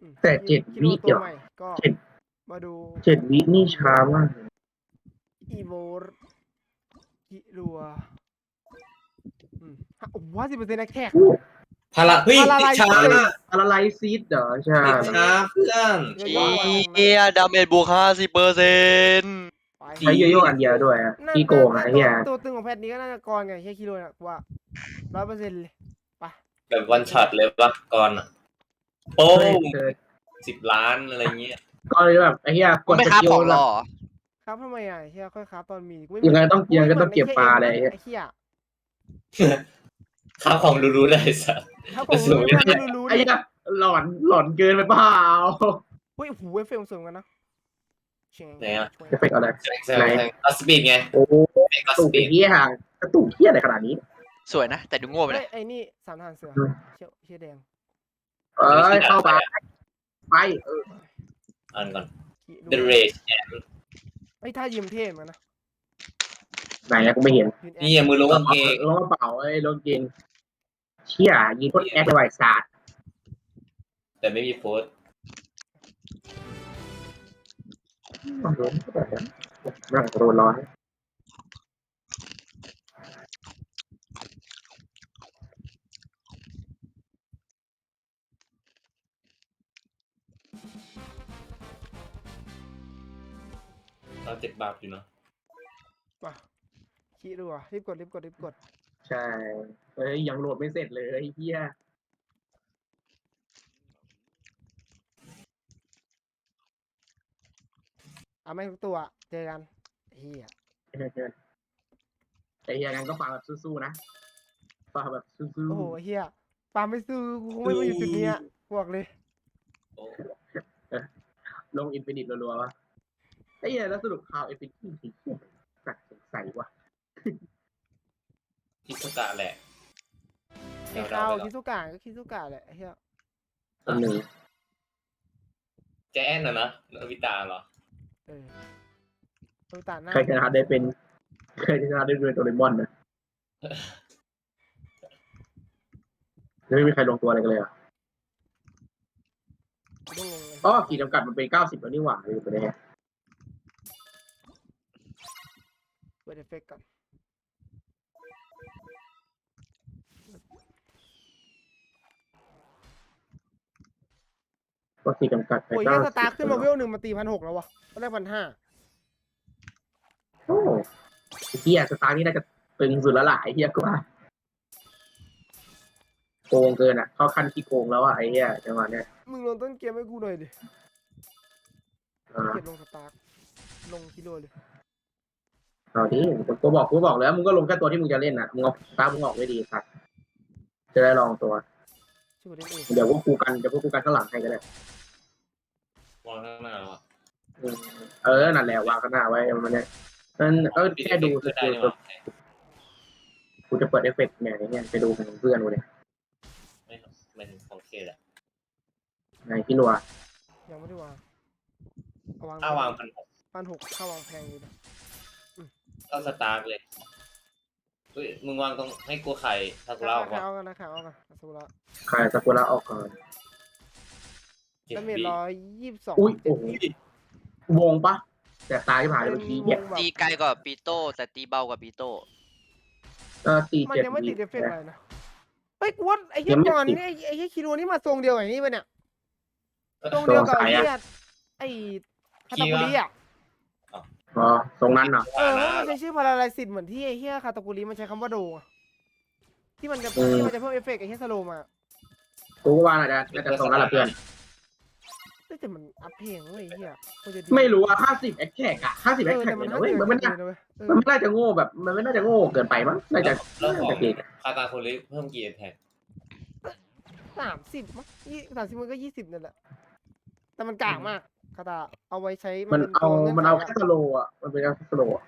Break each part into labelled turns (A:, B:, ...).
A: แต่7 วิ
B: ตัวใหม่ก็มาดู
A: 7 วินี่ช้ามาก
B: อีโวกิรัว50%แท็ก
C: พาราเฮ้ยติดช้า
A: อะไรไลซีดเหรอใช่
C: ติดช้าเพื่อน
D: เฮียดาเมจบวก50%
A: ใช้โยโย่อันเดียวด้วยพี่โกงไอ้เหี้ย
B: ตัวตึงของแพทนี้ก็น่าจะกรไงแค่คิโลนะว่า100%เลยไป
C: แบบวันช็อตเลยปะก่อนโป้10 ล้านอะไรเงี้ย
A: ก็เลยแบบไอ้เหี้ยกด
D: ไม่
A: ส
D: ค้า
A: กิล
D: ของหร
A: แบบ
D: อ
B: ครับทำไมเฮียค่อยครับตอนมี
A: ยังไงต้องเก็บปลาอะไร
B: ไอ้เฮีย
C: ข้าวของรู้ๆได้สัส
B: ถ้าผมรู้
A: ไอ้เหี้ยหลอนเกินไปเปล่า
B: เฮ้ยหูเฟลสวยกันนะ
C: ไหนอะ
A: เอฟเฟกต์อะไร
C: แซงอัสปีดไง
A: โอ้กระตุกเหี้ยกระตุกเหี้ยอะไรขนาดนี้
D: สวยนะ แต่ดูโง่ไปเลย
B: ไอ้นี่สามทหารเสือเชี่ยแดง
A: เข้าไป
C: อ่านก่อน The Rage and
B: ไอ้ท่ายิ้มเท่เหมือนนะ
A: ไหนกูไม่เห็น
C: นี่มือลงกางเกง
A: ลงกระเป๋าลงเกงเชี่ยยิงโคตรแอดไวศาสตร์
C: แต่ไม่มีโพสต์
A: ร่างโดนร้อน
C: เรา7 บาทอยู่เนาะ
B: ป่ะขี้ดูอ่ะรีบกด
A: ใช่ยังโหลดไม่เสร็จเลยเฮีย
B: ไม่ทุกตัวเจอกันเฮีย
A: แต่เฮียกันก็ฝากแบบสู้ๆนะฝากแบบสู้ๆ
B: โอ้โหเฮียปาไม่ซื้อกูคงไม่มาอยู่จุดนี้บอกเลย
A: ลงอินฟินิตรัวๆวะไอ้เฮียแล้วสรุปข่าวอินฟินิตที่เฮียสักสงสัยวะ
C: คิสุกะแหละ
B: ไอ้ข้าวคิสุกะก็คิสุกะแหละเฮีย
A: คนหนึ่ง
C: แจแอนนะโนบิตะเหรอ
B: ตัวตาหน้า
A: เคยชนะได้เป็นเคยชนะได้ด้วยโดเรมอนนะไม่มีใครลงตัวอะไรกันเลยอ่ะอ๋อขีดจำกัดมันเป็น90แล้วนี่หว่าเลยไปเลย
B: เปิดเอฟเฟกต์ก่อน
A: ก็ขีดจำกัดไป
B: โอ้ยแค่สตาร์ขึ้นมาเวล1มาตี1,600แล้ววะก็ได้1,500
A: โอ้เฮียสตาร์นี่น่าจะตึงสุดแล้วล่ะไอ้เฮียกว่าโกงเกินอ่ะเข้าขั้นขี้โกงแล้วอ่ะไอ้เฮียจังหวะเนี้ย
B: มึงลงต้นเกมให้กูหน่อยดิเก็บลงสตาร์ลงกิโลเลย
A: เอาดิกูบอกแล้วมึงก็ลงแค่ตัวที่มึงจะเล่นน่ะมึงเอาสตาร์มึงออกไม่ดีครับจะได้ลองตัวเดี๋ยวพวกกูกันข้างหลังให้ก็ได้
C: วางข้างหน้าอ่ะ
A: นั่นแหละวางข้างหน้าไว้มันเนี่ยแค่ดูสกิลกูจะเปิดเอฟเฟกต์เนี่ยไปดูของเพื่อนกูเนี่ย
C: ไม่ถึงของเคแหละ
A: ไหนพี่รัว
B: ยังไม่ได้วาง
C: ถ้าวาง
B: 1,600ถ้าวางแพงอยู่นะ
C: ก็สตาร์เลยเฮ้ยมึงวางตรงให้กูไข่ซากุระออกวะ
B: เอากันซากุระ
A: ไข่ซากุระออกก่อน
B: ดาเมจ122
A: อุ้ยโอ้โหวงปะแต่ตายที่ผ่านเมื่อกี้เนี่ย
D: ตีไกลกว่าปีโต้แต่ตีเบากว่าปีโต้
A: ตี
B: มันยังไม่ติดเอฟเฟกต์อะไรนะเฮ้ยกูว่าไอ้เหี้ยก่อนนี่ไอ้เหี้ยคิโรนี่มาทรงเดียวกับนี่ป่ะเนี่ยทรงเดียวกับไอ้เหี้ยไอ้คาตาคุริอ่ะ
A: อ๋อทรงนั้นเหรอ
B: มันใช้ชื่อพาราไลซิสเหมือนที่ไอ้เหี้ยคาตาคุริมันใช้คำว่าโดที่มันจะเพิ่มเอฟเฟกต์ไอ้เหี้ยสโลมา
A: กูก็ว่าน่าจะทรงนั้นแหละเพื่อน
B: แต่มันอัพเพลงเว้ยเหี้ย
A: ไม่รู้อะ50แอคแท็กอะ50แอคแท็กเนี่ยเว้ยมันไม่น่าจะโง่แบบมันไม่น่าจะโง่เกินไปมั้งน่าจะ
C: เก่งคาตาโคลิเพิ่มกี่แท็ก
B: 30มั้ง30มันก็20นั่นแหละแต่มันกากมากคาตาเอาไว้ใช้
A: มันเอาแค่สโลอ่ะมันเป็นแค่สโลอ่ะ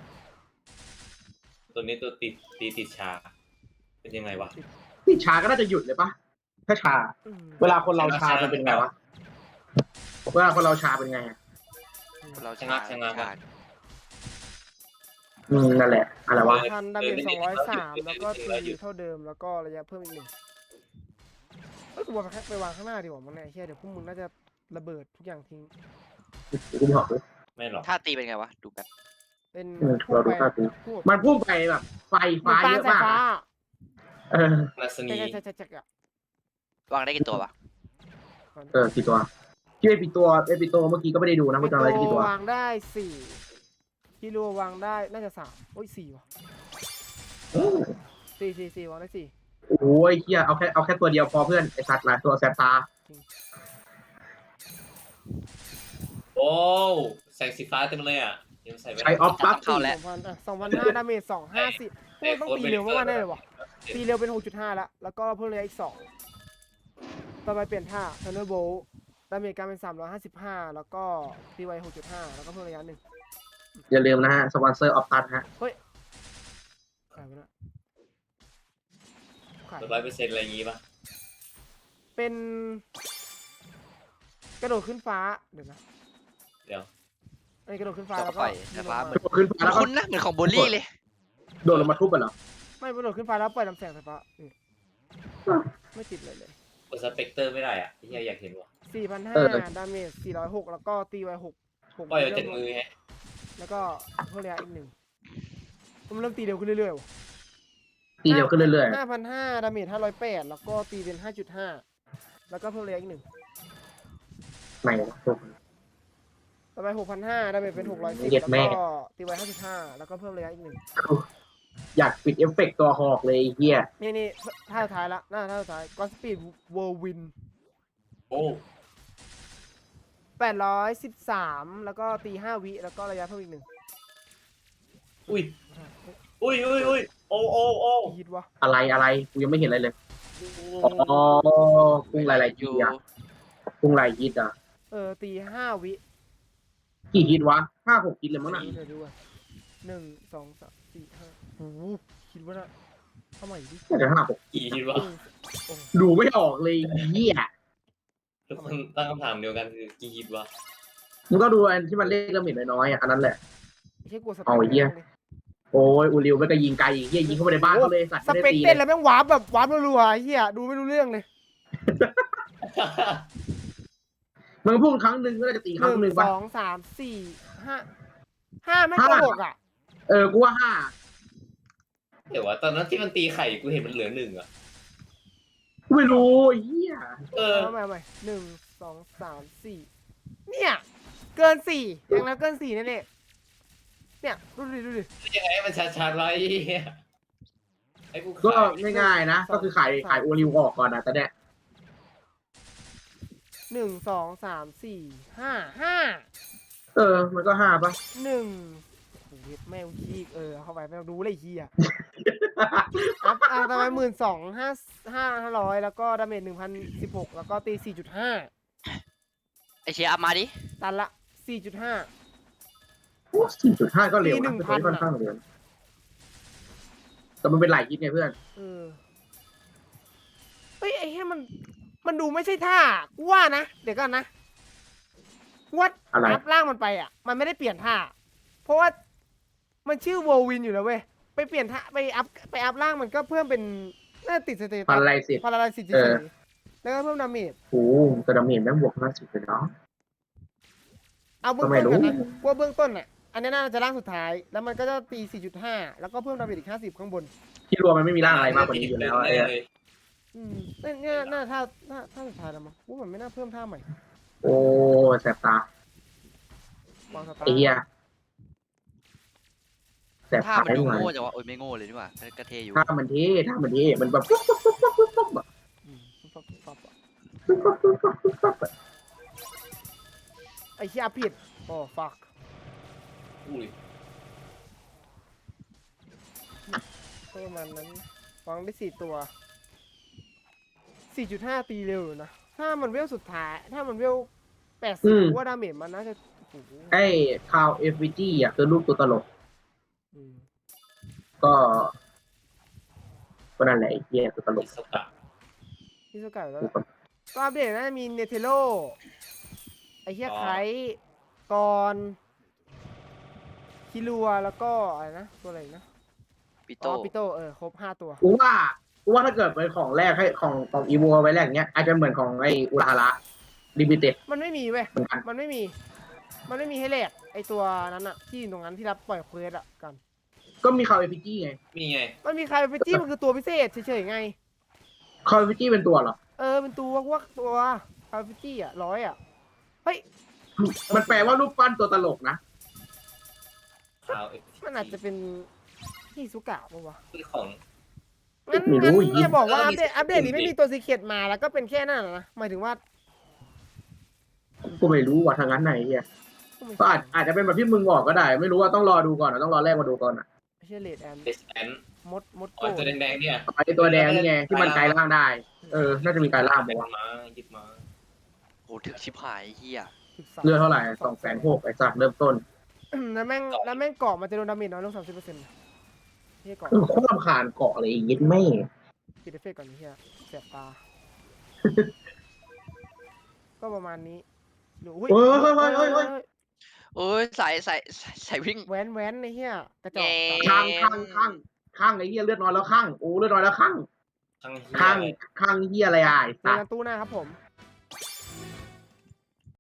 C: ตัวนี้ตัวติดชาเป็นยังไงวะ
A: ติดชาก็น่าจะหยุดเลยปะถ้าชาเวลาคนเราชามันเป็นไงวะเวลาคนเราชาเป็นไง
D: เราชะงัก
A: นั่นแหละอะไรวะ
B: พันดาเมจ203แล้วก็ตีเท่าเดิมแล้วก็ระยะเพิ่มอีก1 เอ้ยกูวางไปวางข้างหน้าดีกว่ามั้งเนี่ยไอ้เหี้ยเดี๋ยวพวกมึงน่าจะระเบิดทุกอย่างทิ้ง
A: กูบอกเลย
C: ไม่หรอก
D: ท่าตีเป็นไงวะ ดูแบบ
B: เป็น
A: เราดูท่าตี
B: พุ่ง
A: มันพุ่งไปแบบไฟ
B: เหมือ
A: ฟ้าน
B: ปา
A: เย
B: น
A: อะ
B: สาย
A: มาก
B: ฟ้า
A: เออ
C: นาสนี
B: ใช่อะ
D: วางได้กี่ตัววะ
A: กี่ตัวที่เอปิตัวเมื่อกี้ก็ไม่ได้ดูนะ
B: ปิ
A: ว่าจะ
B: โต
A: อะไรกี่ตัว
B: วางได้สี่คิรัววางได้น่าจะ3โอ้ย4ว่ะสี่วางได้4
A: โอ้ยเฮียเอาแค่ตัวเดียวพอเพื่อนไอสัตว์หลายตัวแสบตา
C: โอ้แสงสีฟ้าเต็มเลยอ่ะยังใส่ไม่
A: ใช้ออฟปั๊บ
D: เข้าแล้ว
B: 2,500ดาเมจ250พวกต้องตีเร็วมากๆแน่เลยว่ะตีเร็วเป็น 6.5 แล้วก็เพิ่มระยะอีก2ต่อไปเปลี่ยนท่า Thunderbolt ดาเมจการเป็น355แล้วก็ตีไว 6.5 แล้วก็เพิ่มระยะ1
A: อย่าลืมนะฮะสปอนเซอร์ออฟตัสฮะ
B: ขายไปแล้วขาย
C: 100%อะไรอย่างงี้ป่ะ
B: เป็นกระโดดขึ้นฟ้าเดี๋ยวนะ
C: เดี๋ยว
B: ไอ้กระโดดขึ้นฟ้า
D: แล้ว
B: แล้ว
D: ก็
B: ก็
D: ปล่อยสายฟ้าเหมือน
A: ขึ้นฟ้าแล้วก็
D: คุณนะเหมือนของโบลี่เลย
A: โดดลงมาทุบกันเหรอ
B: ไม่กระโดดขึ้นฟ้าแล้วปล่อยลำแสงไฟฟ้าไม่ติดเลย
C: กดสเปกเตอร์ไม่ได้อ่ะที่อยากเห็นว่ะ
B: 4,500ดาเมจ406แล้วก็ตีไว6
C: ปล่อยเอาจากมือไง
B: แล้วก็เพิ่มระยะอีก1มันเริ่มตีเร็วขึ้นเรื่อยๆว่ะ
A: ตีเร็วขึ้นเรื่อย
B: 5,500ดาเมจ508แล้วก็ตีเป็น 5.5 แล้วก็เพิ่มระยะอีก1
A: ๆไม่ทุบ
B: ต่อไป 6,500ดาเมจเป็น610
A: เย็ด
B: แล้ว
A: แม่
B: ก็ตีไว5.5แล้วก็เพิ่มระยะอีก1
A: อยากปิดเอฟเฟกต์ตัวหอกเลยไอ้เฮีย
B: นี่ท่าสุดท้ายละท่าสุดท้ายก็สปีดเวิร์วิน
C: โอ้
B: 813แล้วก็ตี5วิแล้วก็ระยะเพิ่มอีก1
C: อุ้ยโอ้
B: ฮิตวะ
A: อะไรกูยังไม่เห็นอะไรเลยอ๋อกุ้งลายๆฮิตอะกุ้งลายฮิตอะ
B: ตี5วิ
A: กี่ฮิตวะ5-6ฮิตเลยมั้งน่ะ
B: เดี๋ยวดูอ่ะ1 2 3 4 5โอ้โหคิดว่าน่ะทำไมดิ
A: น่าจะ5-6
C: กี่คิดว่า
B: โอ้
A: ดูไม่ออกเลยเฮีย
C: ทุกคนตั้งคำถามเดียวกันคือกี่คิดว่า
A: มึงก็ดูอันที่มันเลขละเมิดน้อยๆอ่ะอันนั้นแหละ
B: ไม่ใช่กลัวส
A: เอาไอ้เหี้ย โอ้ยอูริวไม่ก็ยิงไกลเฮียยิงเข้าไปในบ้านเขาเลยสัตว์
B: ส
A: ไม่ได้
B: เปก
A: ตี
B: เต้น
A: เล
B: แล้ว
A: ย
B: แม่งวาร์ปแบบวาร์ปรัวๆไอ้เหี้ยดูไม่รู้เรื่องเลย
A: มึงพูดครั้งหนึ่งก็จะตีครั้งหนึ่ง
B: 1
A: ป่ะ
B: 2 3 4 5ไม่โกหกอ่ะ
A: กูว่า5
C: เดี๋ยวว่าตอนนั้นที่มันตีไข่กูเห็นมันเหลือ1อ่ะ
A: กูไม่รู้เฮีย
B: เอาใหม่1 2 3 4เนี่ยเกิน4อย่างนั้นเกิน4แน่ๆเนี่ยดูดิ
C: ยังไงให้มันชัดๆไว้ไอ้กู
A: ก็
C: ขาย
A: ง่ายๆนะ ก็คือขายอูริวออกก่อนนะแต่เนี่ย
B: 1 2 3 4 5
A: มันก็5ป่ะ
B: 1โอ้โหแม่งขี้เข้าไปแม่งดูเลยเฮียอัพทำไม12,500แล้วก็ดาเมจ1,016แล้วก็ตี 4.5
D: ไอเชียร์อัพมาดิ
B: ตันละ 4.5
A: 4.5 ก็เร็ว
B: ตี
A: นะ
B: 1,000
A: ค่อนข้างเร็วแต่มันเป็นหลายฮิตไงเพื่อน
B: เฮ้ยไอ้เหี้ยมันดูไม่ใช่ท่ากูว่านะเดี๋ยวก่อนนะวัด
A: อะไร
B: อัพล่างมันไปอ่ะมันไม่ได้เปลี่ยนท่าเพราะว่ามันชื่อโววินอยู่แล้วเว้ยไปเปลี่ยนท่าไปอัพล่างมันก็เพิ่มเป็นน่าติดสเตตั
A: พัน
B: ส
A: ลายสิ
B: พาราไลซิส
A: เออ
B: แล้วก็เพิ่มดาเมจ
A: โอ้กระดาเมจแม่งบวก50เลยเนาะ
B: เอาเบื้อง
A: ก็ไม่
B: ต้น
A: รู้
B: กันนะว่าเบื้องต้นอ่ะอันนี้น่าจะร่างสุดท้ายแล้วมันก็จะตี 4.5 แล้วก็เพิ่มดาเมจอีก50ข้างบน
A: ที่รวมมันไม่มีร่างอะไรมากกว่านี้อยู่แล้วไอ้
C: เลย
B: เนี่ยน่าท่าสุดท้ายแล้วมั้งว่ามันไม่น่าเพิ่มท่าใหม่
A: โอ้แสบตาว
B: างสตา
A: ไอ้
B: ร์
A: เหี้ยแสบ
D: ท่า
A: ตา
D: มันดู
A: หน่อย
D: โง่จังวะโอ้ยไม่โง่เลยนี่หว่ากระเทอยู่
A: ถ้ามันเท่มันแบบปุ๊บปุ๊บปุ๊บปุ๊บปุ๊บอะ
B: ฟับไอ้เหี้ยผิดโอ้ฟัก
C: อุ้ย
B: ประมาณนั้นวางได้4 ตัว 4.5 ตีเร็วอยู่นะถ้ามันเวลสุดท้ายถ้ามันเวล80ว่าดาเมจมันน่าจะโอ้โห
A: ไอ้คาวเอฟวีจีอ่ะคือรูปตัวตลก
B: อืม
A: ก็นั่นแหละไอ้เหี้ยตัวตลก
C: สกะ
B: ที่สกัดแล้วก็อัปเดตน่าจะมีเนเธโลไอ้เหี้ยไคกอนคิรัวแล้วก็อะไรนะตัวอะไรอีกนะ
D: ปิ
B: อ๋
D: โต้
B: อปิโตครบ5 ตัว
A: กูว่าว่าถ้าเกิดเป็นของแรกให้ของอีโวไว้แรกเนี้ยอาจจะเหมือนของไออุราฮาระลิมิเต็ด
B: มันไม่มีเว้ย
A: เหมือนกัน
B: มันไม่มีให้แลกไอตัวนั้นอะที่อยู่ตรงนั้นที่รับปล่อยเควสอะกัน
A: ก็มีคาเวฟิจี้ไง
C: มีไง
B: มันมีใครไปจี้มันคือตัวพิเศษเฉยๆไง
A: คาเวฟิจี้เป็นตัวเหรอ
B: เป็นตัวพวกตัวคาร์ฟิตี้อะ100อะเฮ้ย
A: มันแปลว่ารูปปั้นตัวตลกนะ
C: ข่าว
B: มันอาจจะเป็นที่สุกะปะวะ
C: คือของ
B: งั้น
A: ไม่รู้
B: งั้น
A: อีก
B: จะบอกว่า
C: เออ
B: อัป
C: มี
B: เดตอัปเดตนี้
C: สิ
B: ไม่มีตัวซีเคร็ตมาแล้วก็เป็นแค่นั้นนะหมายถึงว่า
A: กูไม่รู้ว่าทางนั้นไหนเฮียก็อาจจะเป็นแบบที่มึงบอกก็ได้ ไม่รู้ว่าต้องรอดูก่อนต้องรอแรกมาดูก่อนอ่ะ
B: ไม่ใช่เลดแอน
C: เดสแอน
B: มด
C: อ๋อ
B: โก้
C: ตัวแดงๆเนี่ย
A: ไอตัวแดงนี่ไงที่มันกลายร่างได้ น่าจะมีกลายร่าง
C: เป็
A: บ
C: น
A: อกว่า
C: ม้ายึดม้า
D: โหถึกชิบหายเฮีย
B: 13
A: เลือดเท่าไหร่260,000ไอ้สัตว์เริ่มต้น
B: แล้วแม่งเกาะมันจะโดนดาเมจน้อยลง30%เฮียเกาะ
A: โคตรรำคาญเกาะเลยอีกนิดแม่
B: ปิดเอฟเฟกต์ก่อนเฮียเสียบตา ก็ประมาณนี้หรืออุ้ย
A: เฮ้ย
D: โอ้ยใส่วิ่ง
B: แว้นในเฮียกระจอก
D: แง่
A: ข้างไอ้เหี้ยเลือดน้อยแล้วข้างโอ้เลือดน้อยแล้วข้าง
C: ทั้งเหี้ย
A: ข้างเหี้ยอะไรอ่ะไอ้
B: เจอ
A: สัต
B: กัน
A: ว์
B: ตู้หน้าครับผม